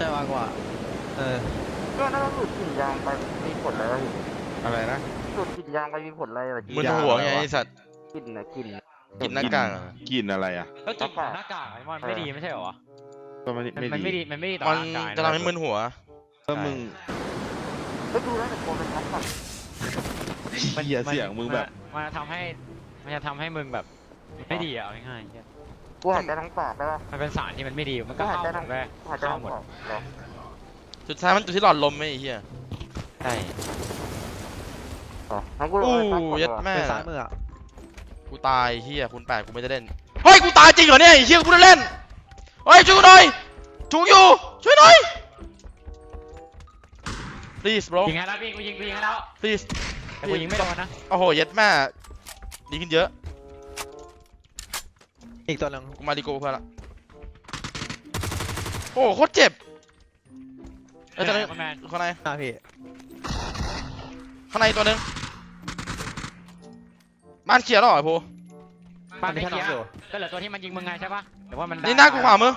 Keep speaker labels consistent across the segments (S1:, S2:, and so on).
S1: ช่มากกว่า
S2: ก็น่าจะหลุดกลิ่นยางไปมีผลอะไร
S3: อะไรนะ
S2: หลุดกลิ่นยางไปมีผลอะไร
S4: มึนหัวไงไอ้สัตว์
S2: กลิ่นนะกลิ่น
S4: กินหน้ากากอะ
S3: กินอะไรอ่ะ
S1: ก็กินหน้ากากไอ้มันไม่ดีไม่ใช่เหรอ
S3: ก็ไม่
S1: มันไม่
S3: ดี
S1: ดีมันไม่ดีต่อ
S4: มัน
S1: ร่างกาย
S4: จะทำให้มึนหัว
S3: ก็มึง
S2: ไม่ดูแล้วแต่โกนเป็นทักก่อน
S3: เหี้ยเสียงมึงแบบ
S1: มันจะทำให้มึงแบบไม่ดีอ่ะง่ายๆ
S2: กูหายใจทั้งปากได้ป่ะ
S1: มันเป็นสารที่มันไม่ดีมันก็
S2: หาย
S1: เข้า
S2: ใจ
S1: หม
S2: ทั้ง
S1: ดเลย
S2: หายใจ
S1: เข้า
S2: ทั้ง
S1: หมด
S2: ปากเหรอ
S4: สุดท้ายมันอยู่ที่หลอดลมไหมไอ้เหี้ย
S1: ใช่
S2: งั้นกูลง
S4: อู้
S2: ไปซักก่อน
S4: ยัด
S2: ดีกว่า
S4: แม่
S1: เป็นสารมืออ่ะ
S4: กูตายเหี้ยคุณแปดกูไม่ได้เล่นเฮ้ยกูตายจริงเหรอเนี่ยไอ้เหี้ยกูไม่ได้เล่นเฮ้ยช่วยกูหน่อยถูกอยู่ช่วยหน่อย please bro
S1: ยิงให้แล้วพี่กูยิงให้แล้ว
S4: please
S1: แต่กูยิงไม่โดนนะ
S4: โอ้โหยัดแม่ดีขึ้นเยอะ
S1: อีกตัวนึง
S4: กูมาดีโก้เพื่อนละโอ้โหโคตรเจ็บเอ้ยตอนนี้ข้างใน
S1: พี่
S4: ข้างในตัวหนึงบ้านเคลียร์แล้วเหรอไอ้ภู
S1: บ้านไม่เคลียร์ก็เหลือตัวที่มันยิงมึงไงใช่ปะหรือว่ามัน
S4: นี่หน้ากูขวามือ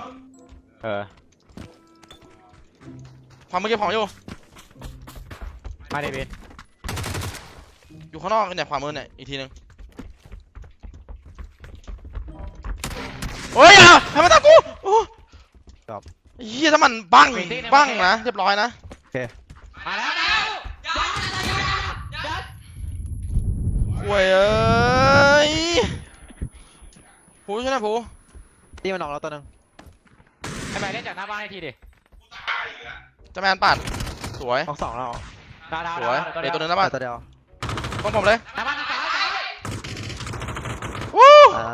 S4: ขวามือเก็บของอยู่
S1: มาเดวิด
S4: อยู่ข้างนอกเนี่ยขวามือเนี่ยอีกทีหนึงโอ้ยอ่ะทำไมตามกูโอ้เฮียถ้ามันบังนะเรียบร้อยนะ
S1: มาแล้ว
S4: โว้ยเอ้ยผูใช่ไหมผู
S1: ตีมันออกแล้วตัวนึงให้ไปเล่นจากหน้าบ้านให้ทีดิ
S4: จะแมนปัดสวย
S1: ออกสองแล้วดาว
S4: สวยเดี๋ยวตัวหนึงนะบ้าน
S1: ตัวเดียว
S4: ต้องผมเลย
S1: หน้าบ้านซ้าย
S4: วู้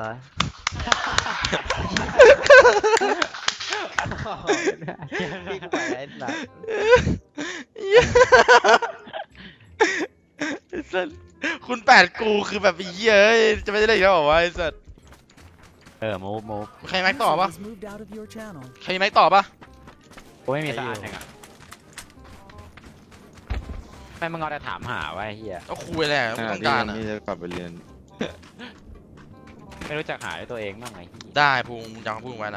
S1: พี่กูไปไอ้สัส
S4: ไอ้สัสคุณแปดกูคือแบบเหี้ยเอ้ยจะไม่ได้เล่นอีกแล้วเหรอวะไอ้สัส
S1: มูฟ
S4: ใครมีแม็กต่อปะ
S5: was moved out of your channel.
S4: ใครมีแม็กต่อปะ
S1: กูไม่มีสักอันหนึ่งอ่ะไม่มึงเอาแต่ถามหาไว้เฮีย
S4: ก็คุยแหละไม่ต้องการอ่ะ
S3: นี่จะกลับไปเรียน
S1: ไม่รู้จักหาด้วยตัวเองบ้างไง
S4: ได้ภูมิจำคำพูดไว้นะ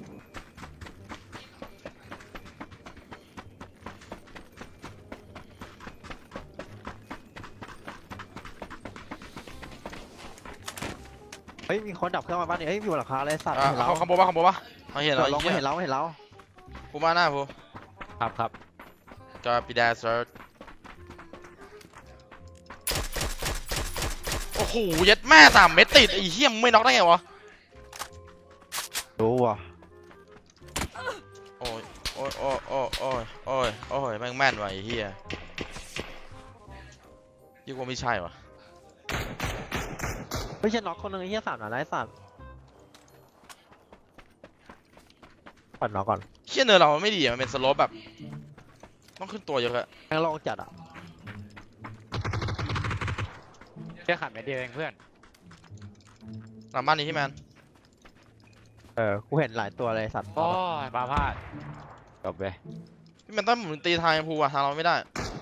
S1: เฮ้ยมีคนดับเครื่องมาบ้านนี่เฮ้ยอยู่หลังคาเลยสัตว์
S4: เขาขโมยปะเขาเห็นเหรอ
S1: เราไม่
S4: ไอ้
S1: เห็น
S4: เหี้ย
S1: เราไม่เห็นเรา
S4: ภูมิมาหน้าภูมิ
S1: ครับ
S4: จอปีดาเซิร์ชโอ้โหยัดแม่3 เม็ดติดไอ้เหี้ยมึงไม่น็อกได้ไงวะ
S1: รู้ว่ะ
S4: โอ้ยโอ้ยโอ้ยโอ้ยโอ้ยโอ้ยโอ้ยแม่งแม่นว่ะไอ้เหี้ยยิ่งกว่าไม่ใช่วะ
S1: ไม่ใช่น็อกคนนึงไอ้เหี้ย3 นัดไร้สัตว์ปัดน็อกก่อน
S4: เหี้ยเนินเรามันไม่ดีอะมันเป็นสโลปแบบต้องขึ้นตัวเยอะอะ
S1: แม่งลองจัดอ่ะแค่ขัดเม็ดเดียวเองเพื่อน
S4: หลังบ้านนี้ที่แมน
S1: กูเห็นหลายตัวเลยสัตว์โอ้ยปลาพลาดจบไป
S4: พี่แมนต้องหมุนตีทางภูอะทางเราไม่ได้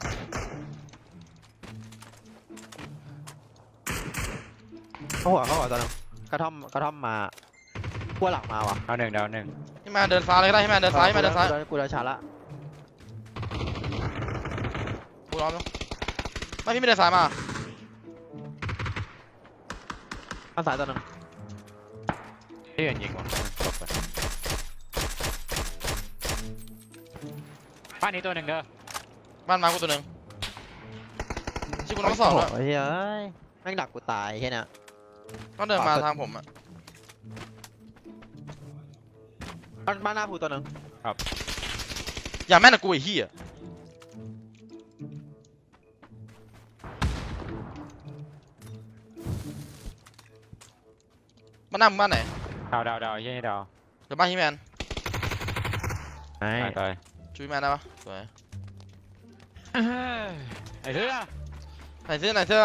S1: เข้าหัวตอนนั้นกระท่อมมาขั้วหลังมาว่ะดาวหนึ่ง
S4: พี่แมนเดินซ้ายเลยก็ได้พี่แมนเดินซ้ายพี่แมนเดินซ้าย
S1: กูเดินช้าละ
S4: ภูร้อมแล้วไม่พี่ไม่เดินซ้ายมา
S1: ข้างซ้ายตัวนึงที่ยิงว่ะจบไปบ้านนี้ตัวหนึ่งเด้อ
S4: บ้านมากูตัวหนึ่งชื่อกูน้องสองแล้ว
S1: โอ้ยเฮ้ยแม่งดักกูตายแค่เนี้ย
S4: ต้องเดินมาทางผมอะ
S1: บ้านหน้าภูตัวหนึ่ง
S4: อย่าแม่นกับกูไอ้เหี้ยบ้านหน้ามึงบ้านไหน
S1: ดาวเฮ้ยดาว
S4: เดี๋ยวบ้านพี่แมน
S1: ตาย
S4: ช่วยพี่แมนได้ปะสวย
S1: ไอ้เหี้ย
S4: ไหนเสื้อไหนเสื้อ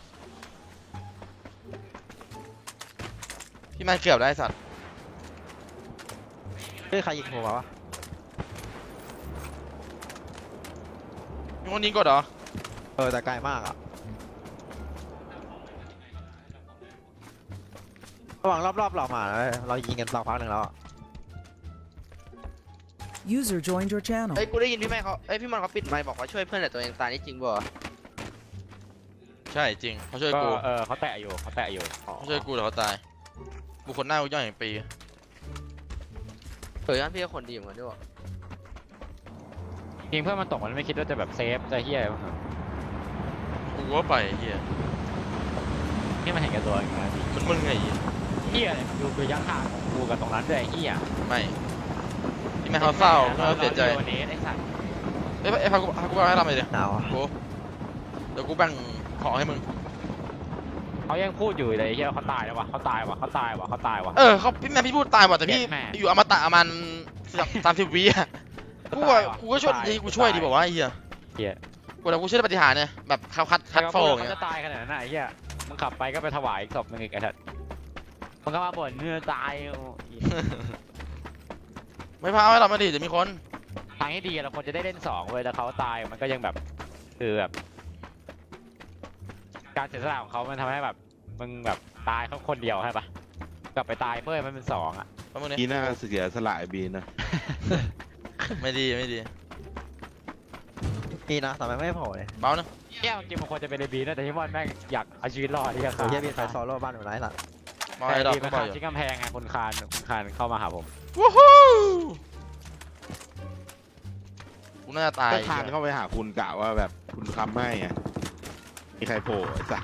S4: พี่แมนเกือบได้ไอ้สัตว์
S1: เฮ้ยใครยิงหัววะ
S4: มีคนยิงกดเหรอ
S1: แต่ไกลมากอ่ะระหว่างรอบเรามาแล้วเรายิงกันสักพักหนึ่งแล้ว
S5: User joined your channel.
S6: เฮ้ยกูได้ยินพี่แม่เขาเอ้ยพี่มันเขาปิดไมค์บอกว่าช่วยเพื่อนแต่ตัวเองตายนี่จริงบ่
S4: ใช่จริงเขาช่วย
S7: ก็
S4: กู
S7: เขาแตะอยู่เขาแตะอยู่
S4: เขาช่วยกูแต่เขาตายบุคคลหน้ากูย่อยอย่างปี
S6: เฮ้ยงั้นพี่ก็คนดีเหมือนกันด้วย
S7: จริงเพื่อนมันตกมันไม่คิดว่าจะแบบเซฟจะเฮี้ยอะไรบ้าง
S4: กูก็ไปเฮีย
S7: นี่มันเห็นแก่ตัวอย่างเงี้ย
S4: มันมึงไงเหี้ย
S7: เฮี้ยเนี่ยดูระยะทางของกูกับตรงนั้นด้วยไอ้เฮี้ย
S4: ไม่ที่แม่เขาเศร้าเขาเสียใจ
S7: วันนี้ไอ้สัตว์
S4: เอ้ยพากูไปให้ทำอะไรดิ
S1: หนาวอะ
S4: กูเดี๋ยวกูแบ่งของให้มึง
S7: เขายังพูดอยู่เลยไอ้เฮี้ยเขาตายแล้ววะเขาตายว่ะเขาตายว่ะเขาตายว่ะ
S4: เขาพี่แม่พี่พูดตายว่ะแต่พี่
S7: แม่
S4: อยู่อมตะประมาณ30 วิอะกูก็ช่วยดีกูช่วยดีบอกว่าไอ้เหี้ย
S7: เฮี้ย
S4: กูแต่กูเชื่อในปฏิหารย์เนี่ยแบบเขาคัดโฟง
S7: เขา
S4: เนี่ย
S7: จะตายขนาดนั้นน่ะไอ้เฮี้ยมึงขับไปก็ไปถวายอีกศพหนึงอีกไอ้สัตว์มึงก็มาบ่นเนื้อตายโอ้ย
S4: ไม่พาให้เรามาดิจะมีคน
S7: ทางที่ดีเราควรจะได้เล่นสองเว้ยแล้วเขาตายมันก็ยังแบบคือแบบ การเสียสละของเขามันทำให้แบบมึงแบบตายเขาคนเดียวใช่ปะกลับไปตายเพื่อนมันเป็นสองอ่ะ
S4: แป๊บนึง
S3: บี
S4: เนี่ย
S3: น่าเสียสละไอ้บีนะ
S4: ไม่ดีไม่ดี
S1: นี่นะทำไมไม่โผล่เลย
S4: เบานะ
S7: แย่จริงมันควรจะเป็นเรบีนะแต่ที่ว่าแม่งอยากเอาชีวิตรอดที่จะ
S1: โอ้ยเฮียมีไฟโซโล่บ้านอยู่ไหนสัตว์
S4: เบา
S7: แต่
S4: ไอ้ดอก
S7: ดี
S4: ก็
S7: มัน
S4: เบา
S7: ขาด
S4: อยู่
S7: ที่กำแพงไงคุณคานเข้ามาหาผม
S4: วู้ฮู้กูน่าจะตาย
S3: ก็คานเข้าไปหาคุณกะว่าแบบคุณคำให้ไงมีใครโผล่ไอ้สัส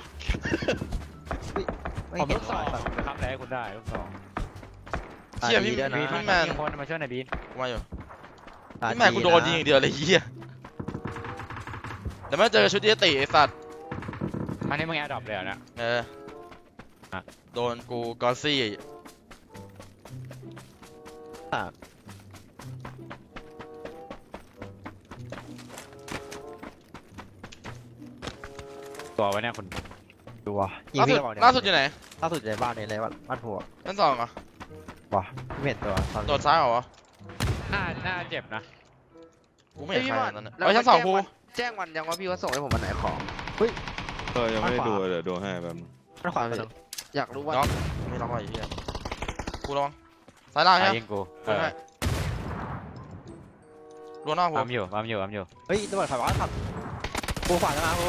S1: ไม่
S7: ผม
S1: เห็น
S7: ลูกสอง
S1: สัตว์
S7: นะครับแต่ให้คุณได้ลูกสอง
S4: เชี่ยพี่
S1: ตาดีด้วยนะ
S4: พี่แมน
S7: มีคนมาช่วยหน่อยบีน
S4: กูมาอยู่
S1: ตา
S4: พี่แม่กูโดนยิงอย่างเดียวเลยเหี้ยเดี๋ยวมาเจอชุดเยติไอ้สัตว์
S7: มันให้มึงแอร์ดรอปเลยเหรอเนะ
S4: อ่ะโดนกูกอซี่
S7: ตัวไว้เนี่ยคุณ
S1: ดูวะยิง
S4: ล่าสุ
S1: พี่
S4: ด
S1: ก่อน
S4: ล่าสุดอยู่ไหน
S1: ล่าสุดอยู่ในบ้านนี่เลยบ้านผัว
S4: ชั้นสองเหรอ
S1: วะไม่เห็นตัวตอน
S4: โดดซ้ายเหรอวะ
S7: น่าเจ็บนะ
S4: กูไม่เห็นใครเลยตอนนั้น
S6: แล้ว
S4: เฮ้ยชั้นสองกู
S6: แจ้งวันยังว่าพี่ว่าส่งให้ผมวันไหนของ
S3: ยังไม่ได้ดูเดี๋ยวดูให้แบบ
S1: บ้านขวาไปตรง
S6: อยากรู้ว่า
S4: น็อกไม่น็อกอะไรเหี้ยกูระวังซ้ายล่าง
S7: ตา
S4: ใช่
S7: ย
S4: ไหม
S7: ยิงกู
S4: กูให้รัวนอกกู
S7: ปั๊มอยู่ปั๊มอยู่ปั๊มอยู่
S1: เฮ้ยตำรวจขับรถขับกูขวาจะมากู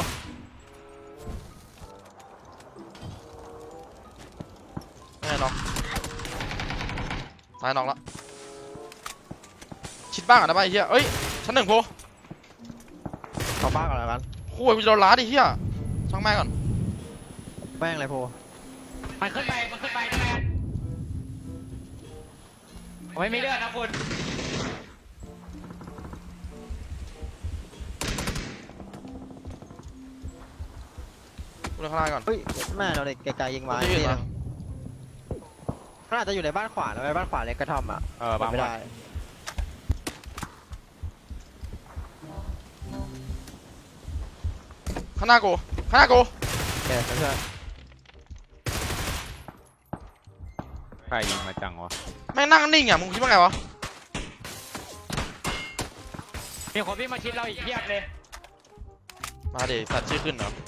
S4: ไม่ให้น็อกซ้ายน็อกละชิดบ้างอ่ะนะไปเฮียเอ้ยชั้นหนึ่งโพ
S1: เข้าบ้านก่อนแล้วกัน
S4: โอ้ยกูจะโดนล้าดิเฮียช่างแม่งก่อน
S1: แม่งเลยโพ
S7: มันขึ้นไปนะแม่ผมไม่มีเลือดนะคุณ
S4: กูเดินข้างล่างก่อน
S1: เฮ้ยแม่เราเด็กไกลๆยิงมา
S4: กูจะยืน
S1: ที่
S4: มา
S1: มันอาจจะอยู่ในบ้านขวาแล้วไอ้บ้านขวาเล็กกระท่อมอ่ะ
S7: ปั๊ม
S1: ไม่
S7: ไว้
S1: ได้
S4: ข้างหน้ากูข้างหน้ากู
S1: เออเพื่อน
S7: ใครยิงมาจังวะ
S4: แม่งนั่งนิ่งอ่ะมึงคิดว่าไงวะ
S7: มีคนวิ่งมาชิดเราอีกเพียบเลย
S4: มาเดี๋ยวสัตว์ชื่อขึ้นเหรอ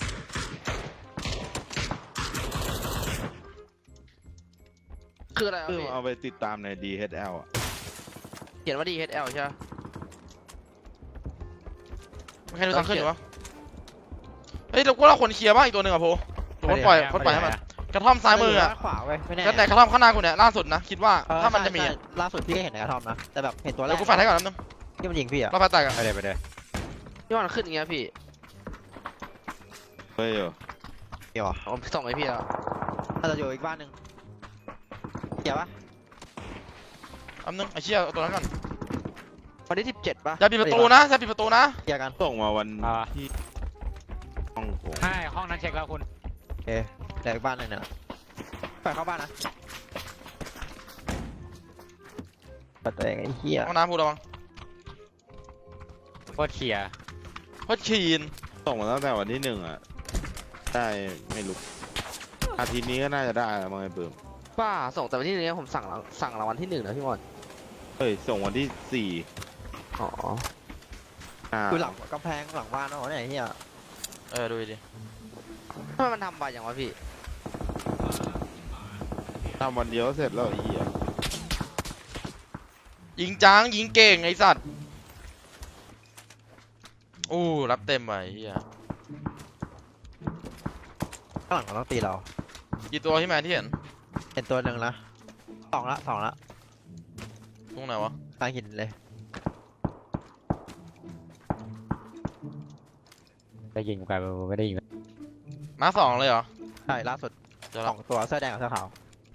S6: คืออะไร
S3: คือ
S6: พี่
S3: เอาไปติดตามใน DHL อ่ะ
S6: เขียนว่า DHL ใช่ไหม
S4: ไม่ใครดูทางขึ้นอยู่วะเฮ้ยเราก็เราคนเคลียร์บ้างอีกตัวหนึ่งอ่ะโพตัวคนปล่อยให้มันกระท่อมซ้ายมืออ่ะ
S1: บ้านขวาเว้ยไม่แน่
S4: ก็ไหนกระท่อมข้างหน้ากูเนี่ยล่าสุดนะคิดว่าถ้ามันจะมี
S1: ใช่
S4: อะ
S1: ล่าสุดพี่ก็เห็นในกระท่อมนะแต่แบบเห็นตัวแร
S4: เดี๋ย
S1: ก
S4: วกูแฟนให้ก่อนนิดนึง
S1: ที่มันยิงพี่อ่ะ
S4: เราแฟนแตกอ่ะ
S7: ไปเลย
S6: พี่วันขึ้นอย่างเงี้ยพี่
S3: เฮ้ยอยู่
S1: เดี๋ยวอ่ะ
S6: ผมส่งให้พี่แล้ว
S1: ถ้าจะอยู่อีกบ้านหนึ่งเกี่ยวปะ
S4: อันนึงไอ้เชี่ยเอาตัวนั้นก่อน
S6: วันที่17ป่ะ
S4: อย่าปิดประตูนะอย่าปิดประตูนะ
S1: เกี่ยวกัน
S3: ส่งมาวันที่ห้องโถง
S7: ให้ห้องนั้นเช็คแล้วคุณ
S1: โอเคเดี๋ยวอีกบ้านหนึ่งเนี่ยปล่อยเข้าบ้านนะเปิดตัวเองไอ้เหี้ย
S4: ห้องน้ำพูดระวัง
S7: โคตรเชียร์
S4: เพราะชีน
S3: ส่งมาตั้งแต่วันที่1อ่ะได้ไม่รู้อาทิตย์นี้ก็น่าจะได้แล้วมั้งไอ้ปื้ม
S6: ป้าส่งแต่วันที่1ผมสั่งรางวัลที่1นะพี่มอน
S3: เฮ้ยส่งวันที่
S6: อ๋อ
S3: 4
S1: คือหลังกำแพงหลังบ้านเนาะเนี่ยไอ้เหี้ย
S4: ดูดิ
S6: ทำไมมันทำไปอย่างวะพี่
S3: ทำวันเดียวเสร็จแล้วไอ้เหี้ย
S4: ยิงจ้างยิงเก่งไอ้สัตว์โอ้รับเต็มไปเฮีย
S1: ข้างหลังมันต้องตีเรา
S4: กี่ตัวที่แมนที่เห็น
S1: เห็นตัวหนึ่งละสองละ
S4: ตรงไหนวะ
S1: กลางหินเลย
S7: ได้ยิงกันไม่ได้ยิง
S4: มาสองเลยเหรอ
S1: ใช่ล่าสุด
S4: เดี๋ยว
S1: ส
S4: ละ
S1: องตัวเสื้อแดงกับเสื้อขาว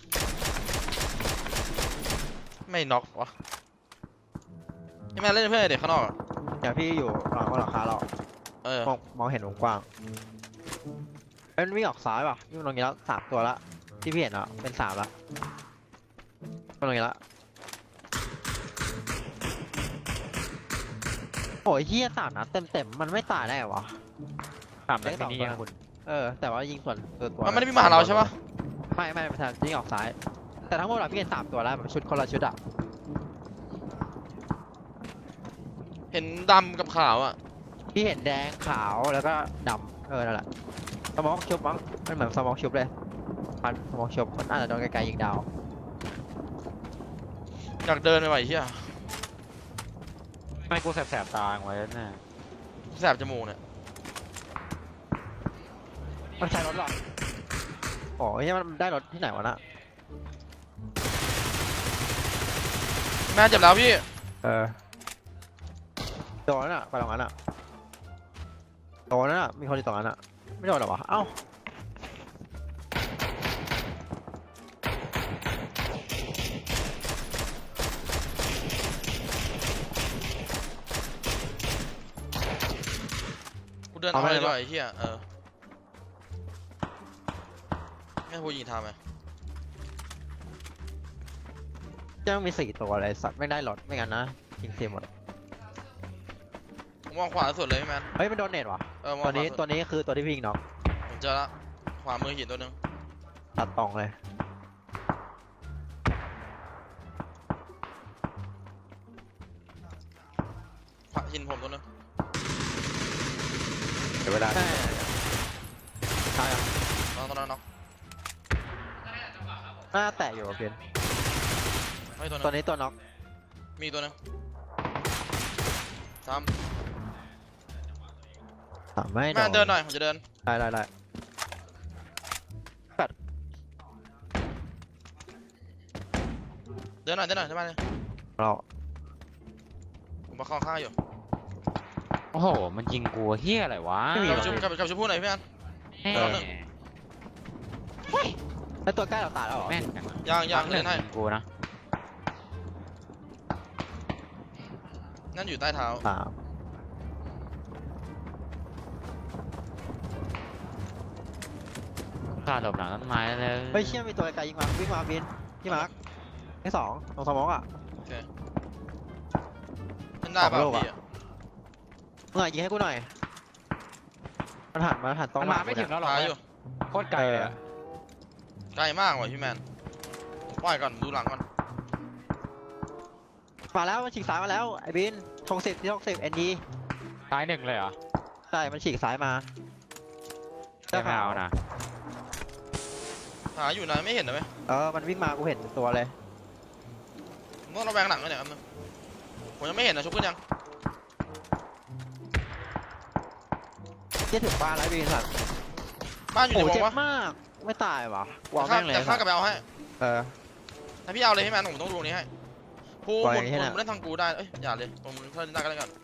S4: ไม่น็อกวะที่แมนเล่นเพื่อนเด็กข้างนอกอะ
S1: เดี๋ยวพี่อยู่หลังหลังคาเรา
S4: เออ
S1: มองเห็นวงกว้างเอ้ยมันวิ่งออกซ้ายป่ะวิ่งตรงนี้แล้ว3 ตัวละที่พี่เห็นอ่ะเป็น3ละตรงนี้ละโอ้ยเฮีย3 นัดเต็มมันไม่ตายได้เหรอวะ
S7: ตามได้นี่คุณ
S1: แต่ว่ายิงส่วนตัว
S4: มันไม่ได้มีมาหาเราใช่ปะ
S1: ไม่ประธานยิงออกซ้าย แต่ทั้งหมดเราพี่เห็น3 ตัวแล้วแบบชุดคนละชุดอ่ะ
S4: เห็นดำกับขาวอ่ะ
S1: พี่เห็นแดงขาวแล้วก็ดำนั่นแหละสมองชุบมั้งมันเหมือนสมองชุบเลยพันสมองชุบมันอาจจะโดนไกลๆยิงดาว
S4: อยากเดินไปไหวเฮีย
S7: ไม่กูแสบตาไว้น่ะ
S4: แสบจมูกเนี่ย
S1: มันใช้รถหรอโอ้ยมันได้รถที่ไหนวะน่ะ
S4: แม่เจ็บแล้วพี่
S1: โดนน่ะไปตรงนั้นน่ะโดนน่ะมีคนอยู่ตรงนั้นน่ะไม่โดนหรอวะเอ้า
S4: กูเดินเอาเลยดีกว่าไอ้เฮียให้กูยิงทำไหม
S1: จะต้องมี4 ตัวเลยสัตว์ไม่ได้รถไม่งั้นนะยิงเสียหมด
S4: ผมมองขวาสุดเลยพี่แมน
S1: เฮ้ยมันโดนเน็ตว่ะ
S4: มอง
S1: ตัว
S4: ขวา
S1: นี้
S4: สุด
S1: ตัวนี้คือตัวที่พี่ยิงน็อก
S4: ผมเจอละขวามือหินตัวหนึง
S1: ตัดตรงเลย
S4: ขวาหินผมตัวหนึง
S7: เดี๋ยวเวลา
S1: ใช่ใช่อะ
S4: น้องตัวนั้นน็อก
S1: หน้าแตะอยู่กับเพียน
S4: เฮ้ยตัวหนึ
S1: ตัว
S4: ง
S1: นี้ตัวน็อก
S4: มีตัวหนึงซ้
S1: ไม่
S4: ำแม่เดินหน่อยผมจะเดิน
S1: ได้
S4: เดินหน่อยได้ไหมเลย
S1: เรา
S4: ผมมาเข้าข้างอยู่
S7: โอ้โหมันยิงกูเฮียอะไรวะ
S4: กลับไปชุบพูดหน่อยพี่แมน
S1: แล้วตัวใกล้เราตายแล้วเหรอ
S7: แม่ง
S4: ยังเล่นให้
S7: ยิงกูนะ
S4: นั่นอยู่ใต้เท้า
S7: ขาดหลบหลังต้นไม้เลย
S1: เฮ้ยเชี่ยมีตัวไกลยิงมาวิ่งมาบินพี่มาร์คที่2ตรงสมองอ่ะ
S4: เล่นได้ป่ะ
S1: สองโลกอะ
S4: พี่อะ
S1: มึงยิงให้กูหน่อยมันหันตรง
S7: มันมาไม่ถึงแล้วหรอ
S4: หาอยู่
S7: โคตรไกลเลย
S4: ไกลมากว่ะพี่แมนปล่อยก่อนดูหลังก่อน
S1: มาแล้วมันฉีกซ้ายมาแล้วไอ้บินทง10ที่ทง10 ND
S7: ซ้าย1เลยเหรอ
S1: ใช่มันฉีกซ้ายมา
S7: ไม่เอานะ
S4: หาอยู่นะไม่เห็นนะไหม
S1: มันวิ่งมากูเห็นตัวเลย
S4: ผมต้องระแวงหลังด้วยเนี่ยครับนึงผมยังไม่เห็นนะชุบขึ้นยัง
S1: ที่ถึงบ้านแล้วบินสัตว์
S4: บ้านอยู่
S1: โอ้
S4: ในว
S1: เจ็
S4: ง
S1: บ
S4: วะ
S1: มากไม่ตายวะวาง
S4: ข้า
S1: แม่งเลย
S4: แต่ข้ากลับไปเอาให้
S1: เออ
S4: ถ้าพี่เอาเลยพี่แมนผมต้องดูนี้ให้ผู้
S1: ปล่อย
S4: หมุน
S1: ให้น่ะ
S4: เล่นทางกูได้เอ้ยอย่าเลยผมเล่นได้ก็แล้วกัน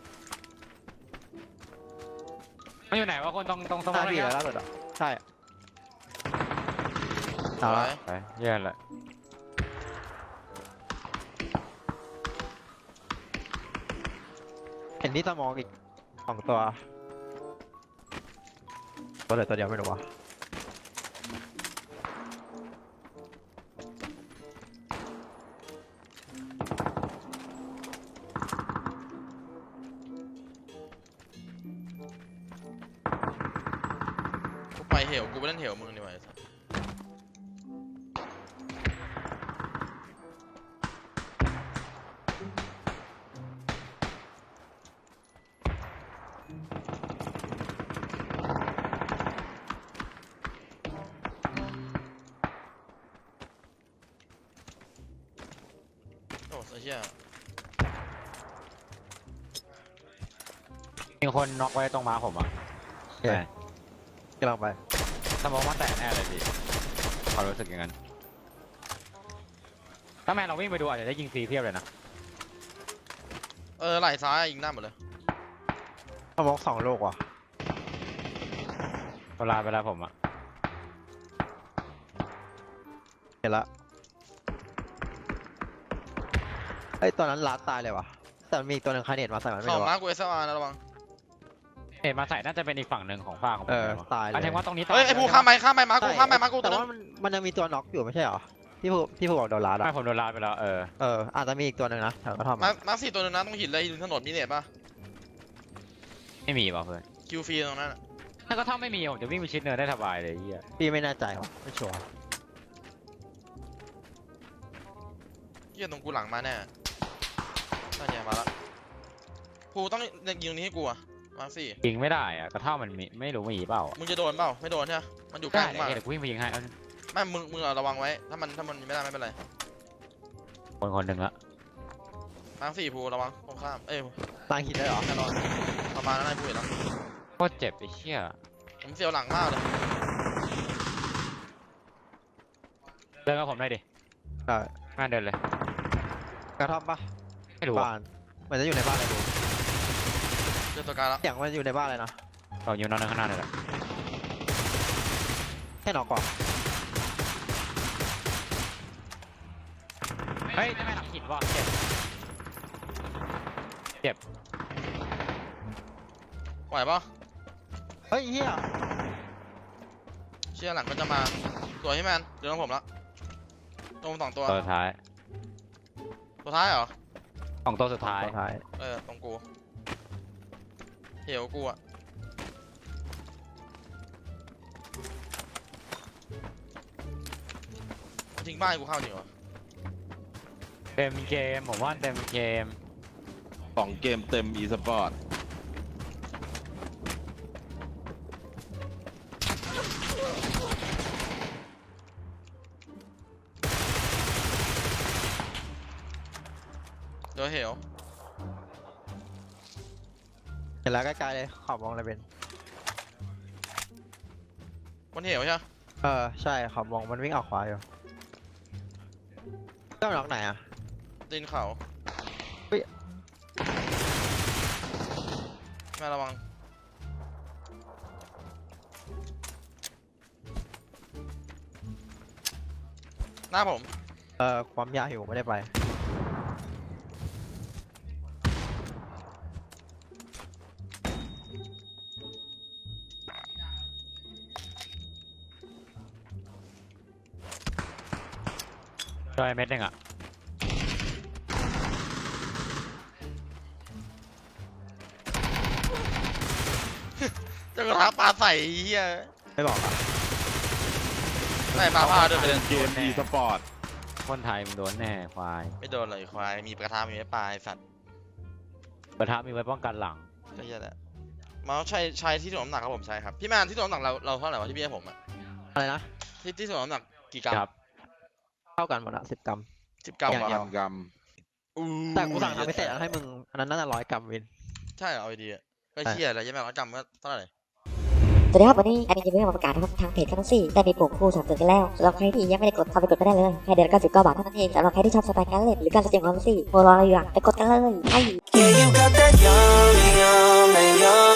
S7: มันอยู่ไหนวะคนตรงสม
S1: ห
S7: อ
S1: น้าง พี่
S7: เลย
S1: แล้วล่าสุดอ่ะใช่เอาละ
S7: ไปเยี่ยนละ
S1: เห็นที่สมองอีก2 ตัวตัวเหลือตัวเดียวไม่รู้วะ
S4: กูไปเหวกูไปเล่นเหวมึงดีกว่าไอ้สัสโอ้ไอ้เหี้ย
S7: มีคนน็อกไว้ตรงม้าผมอ่ะ
S1: โอเคกำลังไป
S7: สมองว่าแตกแน่เลยพี่ความรู้สึกอย่างนั้นถ้าแมนเราวิ่งไปดูอาจจะได้ยิงฟรีเพียบเลยนะ
S4: ไหล่ซ้ายยิงหน้าหมดเลย
S1: สมอง2 ลูกว่ะ
S7: เวลาไปแล้วผมอ่ะ
S1: เห็นละไอ้ยตอนนั้นลัดตายเลยว่ะแต่มันมีอีกตัวหนึ่งคาเนตมาใส่มันไม่
S4: สอง
S1: รู้
S4: มา
S1: อะ
S4: กู SLR นะระวัง
S7: เห็นมาใส่น่าจะเป็นอีกฝั่งหนึ่งของฝั่งของผมเลยวะ
S1: ตายเลย
S7: อันนี้ว่าตรงนี้ตาย
S4: เฮ้ยไอ้ภูข้ามไปมากูข้ามไปมากู
S1: แต่
S4: ตัวนึ
S1: ว่างมันยังมีตัวน็อกอยู่ไม่ใช่เหรอที่ผู้บอกโดนลัด
S7: ไม่
S1: อะ
S7: ผมโดนลาดไปแล้ว
S1: อาจจะมีอีกตัวหนึ่งนะแถวกระท่อม
S4: มา4ตัวนึงนะตรงหินเลยหินถนนมีเน็ตป่ะ
S7: ไม่มีป่ะเพื่อน
S4: คิวฟรีตรงนั้นอะ
S7: ถ้าก็ถ้าไม่มีผมจะวิ่งไปชิดเนินได้สบายเลยเฮีย
S1: พี่ไม่แน่ใจว่ะไม่ชัวร์
S4: เหี้ยตรงกูหลังมาแน่นั่นไงมาละภูต้องยิงตรงนี้ให้กูอะมาสี่
S7: ยิงไม่ได้อะกระท่อมมันมีไม่รู้มีเปล่าอะ
S4: มึงจะโดนเปล่าไม่โดนใช่ไหมมันอยู่ใกล้
S7: ได้
S4: มึงมาก
S7: เดี๋ยวกูวิ่งไปยิงให้เอา
S4: ไม่มึงระวังไว้ถ้ามันไม่ได้ไม่เป็นไร
S7: คนหนึ่งละ
S4: มาสี่ภูระวังตรงข้าม
S1: ตั้งหินได้เหรอ
S4: แน่นอนประมาณนั้นไอ้ภูเห็นแล้ว
S7: โคตรเจ็บไอ้เชี่ย
S4: ผมเสียวหลังมากเลย
S7: เดินกับผมหน่อยดิ
S1: ใช่
S7: มาเดินเลย
S1: กระท่อมปะ
S7: ไม่รู้อะ
S1: บ้านเหมือนจะอยู่ในบ้านเลยดู
S4: เจอตัวการแล้ว
S1: เสียงมันอยู่ในบ้านเลยนะ
S7: เราอยู่นอนข้างหน้าเลยแหละ
S1: แค่น็อกก่อน
S7: เฮ้ยจะไม่หลังหินว่ะเจ็บ
S4: ไหวปะ
S1: เฮ้ยเฮีย
S4: เชี่ยหลังก็จะมาตัวให้แมนเดี๋ยวของผมละตรง2 ตัว
S7: ตัวสุดท้าย
S4: ตัวท้ายเหรอ
S7: ของตัวสุดท้าย
S1: สุดท้าย
S4: ตรงกูเหี่ยวกูอะทิ้งบ้านกูเข้าจริงเหรอ
S7: เต็มเกมผมว่าเต็มเกม
S3: 2 เกมเต็ม e-sport
S4: เดี๋ยวเหี่ยว
S1: เห็นแล้วใกล้ๆเลยขอบมองเลยเป็น
S4: มันเหี่ยวใช่ไหม
S1: ใช่ขอบมองมันวิ่งออกขวาอยู่ก็น็อกไหนอ่ะ
S4: ตีนเขา
S1: เฮ้ย
S4: แม่ระวังหน้าผม
S1: ความยากอยู่ไม่ได้ไป
S7: ช่วยเม็ดหนึ่งอ่ะ
S4: เจ้ากระทะปลาใส่เฮีย
S1: ไม่บอกอ่ะ
S4: ใส่ปลาพาเดินไปเลย
S3: เกม e-sport
S7: คนไทยมึงโดนแน่ควาย
S4: ไม่โดนเลยควายมีกระทะมีไม้ปลาไอ้สัตว์
S7: กระทะมีไว้ป้องกันหลัง
S4: ก็เฮียแหละมาใช้ที่ถ่วงน้ำหนักครับผมใช่ครับพี่แมนที่ถ่วงน้ำหนักเราเท่าไหร่วะที่พี่ให้ผมอะ
S1: อะไรนะ
S4: ที่ถ่วงน้ำหนักกี่กรัม
S7: ครับ
S1: เท่ากันหมดอะ10 กรัม
S4: 10 กรัม
S1: อย่างเดียว
S3: กรัม
S1: แต่กูสั่งทำไม่เสร็จแล้วให้มึงอันนั้นน่าจะ100 กรัมวิน
S4: ใช่เหรอเอาดีๆอะก็เชี่ยอะไรยังไง100 กรัมก็เท่าไหร่
S5: สวัสดีครับวันนี้แอดมินจะมีมาประกาศนะครับทางเพจแคทซี่ได้มีปุ่มคู่สนับสนุนกันแล้วสำหรับใครที่ยังไม่ได้กดเข้าไปกดก็ได้เลยแค่เดือนละ99 บาทเท่านั้นเองสำหรับใครที่ชอบสไตล์การเล่นหรือการแสดงความรู้สึกโมรออะไรอยู่อะไปกดกันเลยไอ้
S8: Yeah, you got that yummy, yum, that yum.